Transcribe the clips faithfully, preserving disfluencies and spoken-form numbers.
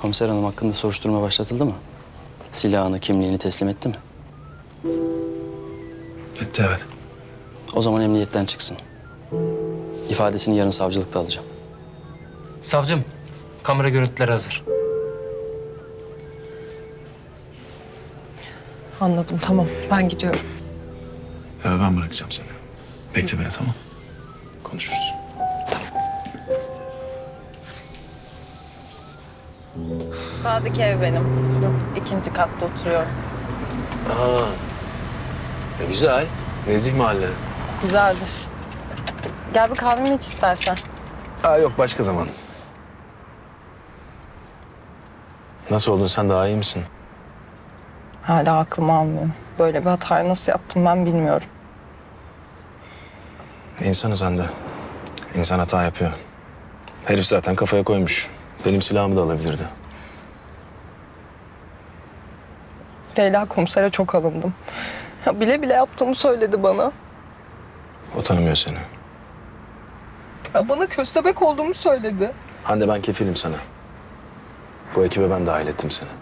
Komiser hanım hakkında soruşturma başlatıldı mı? Silahını, kimliğini teslim etti mi? Etti, evet. O zaman emniyetten çıksın. İfadesini yarın savcılıkta alacağım. Savcım, kamera görüntüleri hazır. Anladım, tamam. Ben gidiyorum. Ya ben bırakacağım seni. Bekle beni, tamam? Konuşuruz. Sağdaki ev benim. İkinci katta oturuyorum. Aa, e, güzel. Nezih mahalle. Güzeldir. Gel bir kahvemi iç istersen. Aa, yok, başka zaman. Nasıl oldun, sen daha iyi misin? Hala aklım almıyor. Böyle bir hatayı nasıl yaptım ben bilmiyorum. İnsanı sen de. İnsan hata yapıyor. Herif zaten kafaya koymuş. Benim silahımı da alabilirdi. Leyla komisere çok alındım. Ya bile bile yaptığımı söyledi bana. O tanımıyor seni. Ya bana köstebek olduğumu söyledi. Hande, ben kefilim sana. Bu ekibe ben dahil ettim seni.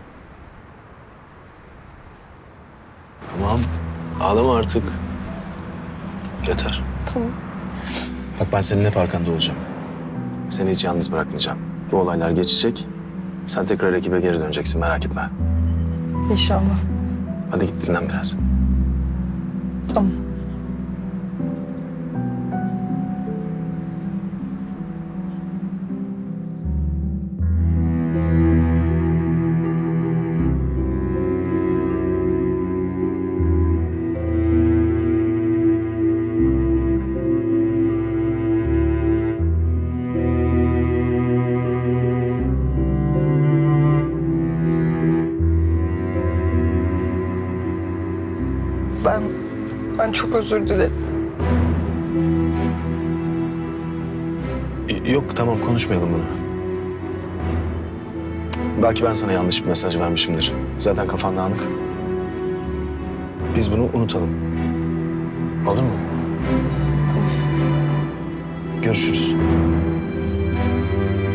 Tamam. Ağlama artık. Yeter. Tamam. Bak, ben senin hep arkanda olacağım. Seni hiç yalnız bırakmayacağım. Bu olaylar geçecek. Sen tekrar ekibe geri döneceksin, merak etme. İnşallah. Hadi git dinlen biraz. Tamam. Ben, ben çok özür dilerim. Y- Yok, tamam, konuşmayalım bunu. Belki ben sana yanlış bir mesaj vermişimdir. Zaten kafan dağınık. Biz bunu unutalım. Olur mu? Tamam. Görüşürüz.